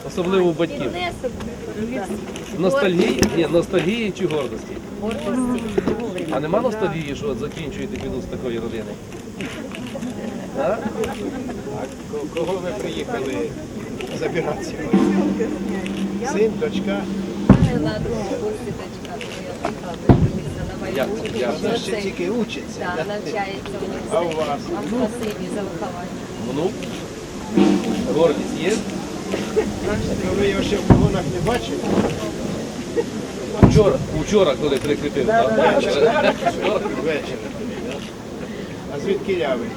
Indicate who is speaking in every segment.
Speaker 1: Особливо у батьків. Ностальгії? Ні, ностальгії чи гордості? А нема ностальгії, що от закінчуєте піду з такої родини? А?
Speaker 2: Кого ви приїхали забирати сьогодні? Син, дочка?
Speaker 1: Як?
Speaker 2: Вона ще тільки учиться.
Speaker 3: Так, навчається у них.
Speaker 2: А у вас?
Speaker 3: Вам спасибі за виховання.
Speaker 1: Внук? Гордість є?
Speaker 2: Ви його ще в погонах не бачили?
Speaker 1: Вчора, коли прикріпив, так? Вчора.
Speaker 2: Ввечері. А звідки я ви?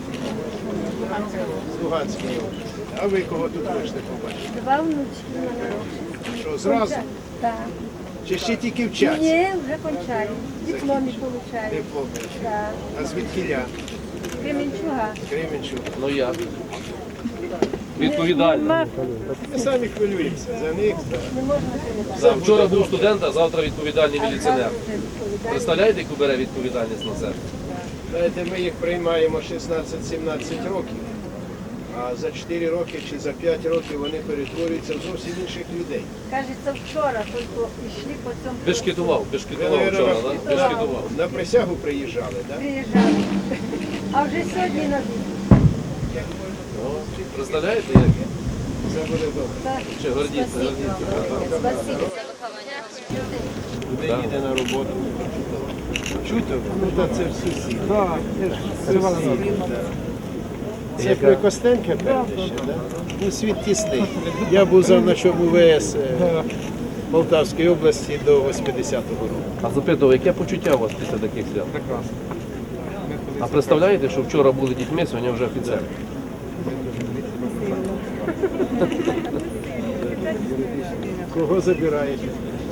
Speaker 2: З Луганської області. А ви кого тут вийшли побачити?
Speaker 4: Два внучки в мене.
Speaker 2: Що, зразу?
Speaker 4: Так.
Speaker 2: Чи ще тільки вчаться?
Speaker 4: Ні, вже кончаю. Диплом получаю.
Speaker 2: Диплом.
Speaker 4: Так.
Speaker 2: А звідки я?
Speaker 4: Кременчуга.
Speaker 2: Кременчук.
Speaker 1: Ну як? Відповідально.
Speaker 2: Ми самі хвилюємося за них.
Speaker 1: Вчора був студент, а завтра відповідальний міліціонер. Представляєте, яку бере відповідальність на себе?
Speaker 2: Знаєте, ми їх приймаємо 16-17 років, а за 4 роки чи за 5 років вони перетворюються в зовсім інших людей.
Speaker 4: Кажеться, вчора тільки йшли по цьому.
Speaker 1: Бешкетував вчора, так? Бешкетував.
Speaker 2: На присягу приїжджали, так?
Speaker 4: Приїжджали. А вже сьогодні на вік.
Speaker 1: Представляєте, як?
Speaker 2: Це буде добре.
Speaker 1: Чи гордіться?
Speaker 3: Спасибі за виховання.
Speaker 2: Куди їде на роботу? Чути? Ну, так це в сусід. Це при Костенка, певне ще, так? Ну, світ тісний. Я був завначом УВС Полтавської області до 80-го року.
Speaker 1: А запитував, яке почуття у вас після таких свят? Прекрасно. А представляєте, що вчора були дітьми, сьогодні вже офіцери?
Speaker 2: Кого забираєте?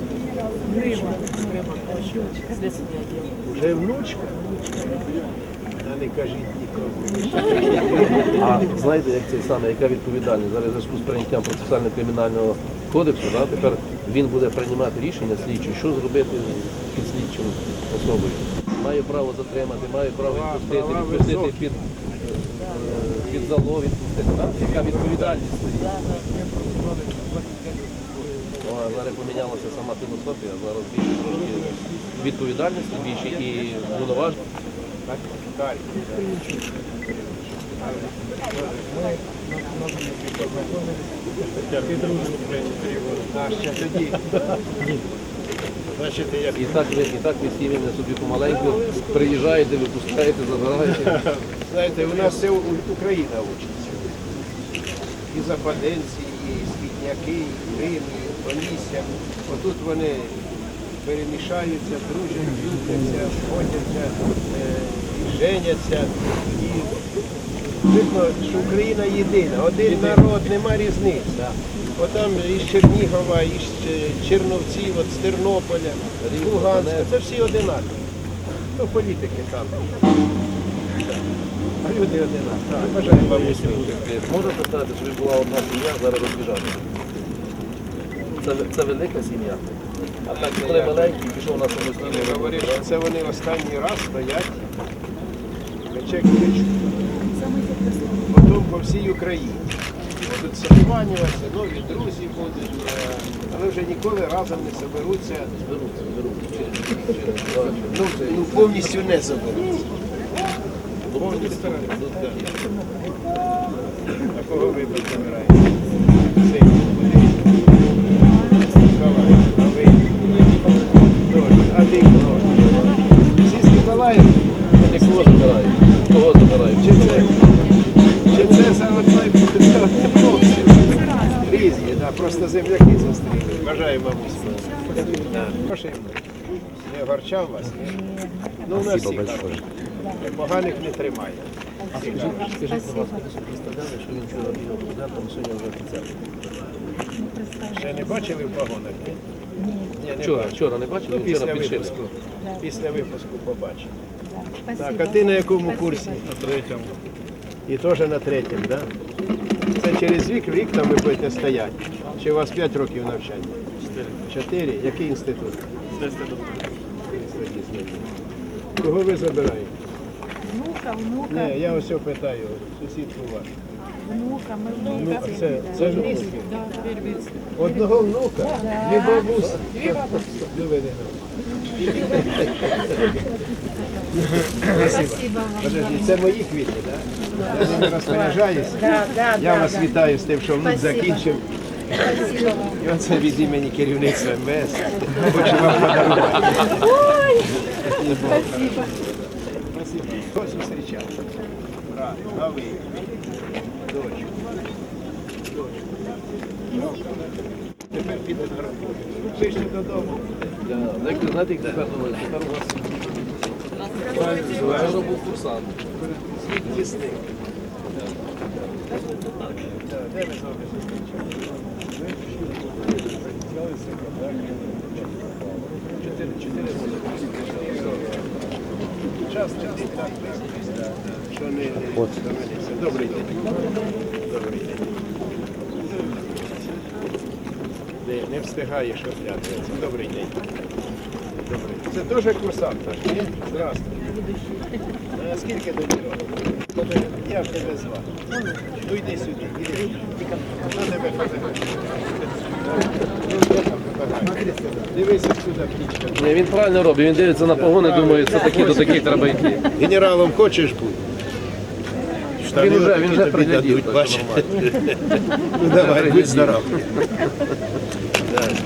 Speaker 2: Вже внучка? Та не кажіть нікому.
Speaker 1: А знаєте, як цей саме, яка відповідальність? Зараз в зв'язку з прийняттям процесуально-кримінального кодексу, да, тепер він буде приймати рішення слідчий, що зробити під слідчим особою. Має право затримати, має право відпустити під залог, відпустити. Да? Яка відповідальність стоїть? Зараз помінялася сама філософія, зараз більше трошки відповідальності, більше і повноважень.
Speaker 2: Далі. А ще тоді. Значить, як
Speaker 1: І так ви сім'ями собі помаленьку приїжджаєте, випускаєте, забираєте.
Speaker 2: знаєте, у нас все Україна учиться. І западенці, і скітняки, і Рим, і Полісся. Отут вони перемішаються, дружать, любляться, сходяться, і женяться. І видно, що Україна єдина, один народ, нема різниць. Отам із Чернігова, із Черновців, от з Тернополя, з Луганська, це всі одинакові. Ну, політики там. А люди одинакові. Бажаю вам успіху.
Speaker 1: Можна сказати, що ви була одна сім'я, зараз розбіжалася. Це велика сім'я. А так, коли маленький, пішов на самостійну
Speaker 2: Я говорив,
Speaker 1: роботу.
Speaker 2: що це вони останній раз стоять, мечек кличуть. Потім по всій Україні. Будуть созванюватися, нові друзі будуть, але вже ніколи разом не соберуться. Ну, повністю не соберуться. Повністю. А кого ви тут забираєте? Син, Миколай, а ви? А ти кого? Всі з Миколаєва?
Speaker 1: І кого забирають? Кого забирають?
Speaker 2: Чи це саме хлопці? Різні, да, просто земляки зустріли. Бажаю вам успіху. Прошу, не огорчав вас? Ні? Ну, у нас всіх так. Поганих не тримає.
Speaker 1: Скажіть, будь ласка, ви собі представляли, що він вчора бігав студентом, сьогодні вже офіцер?
Speaker 2: Ще не бачили в погонах? Ні. Ні, не бачили.
Speaker 1: Вчора не бачили,
Speaker 2: Ну,
Speaker 1: вчора
Speaker 2: після
Speaker 1: підшили.
Speaker 2: випуску. Після випуску побачимо. Так, а ти на якому курсі?
Speaker 5: На третьому.
Speaker 2: І теж на третьому, так? Да? Це через рік там ви будете стояти? Чи у вас 5 років навчання? 4. Який інститут? Кого ви забираєте?
Speaker 4: Внука, внука.
Speaker 2: Ні, я ось питаю, сусідку вашу. Це ж місце. Одного внука, дві бабуси. Подожди, це мої квіти, так? Я ними розпоряджаюся. Я вас вітаю з тим, що внук закінчив. І оце від імені керівництва МВС. Хочу вам подарувати. Спасибо. Ось зустрічав. Брат, новий. Дочку. Тепер піде на роботу. Ближче додому.
Speaker 1: Знаєте, як тепер думають? Тепер у вас вчора був курсант.
Speaker 2: Світ тісний. Де ми з вами зустрічали? Чотири роки. Час летить так швидко, що не доведеться. Добрий день. Добрий день. Не встигаєш оглядатися. Добрий день. Добрий. Це теж курсант наш, ні? Здравствуй. А скільки тобі років? Я в тебе звав. Ну йди сюди, іди. Хто тебе фотографує? Дивися сюди, птічка.
Speaker 1: Ні, він правильно робить, він дивиться на погони, думає, це такі, до таких треба йти.
Speaker 2: Генералом хочеш бути?
Speaker 1: Він вже приглядів.
Speaker 2: Ну давай, будь здоров.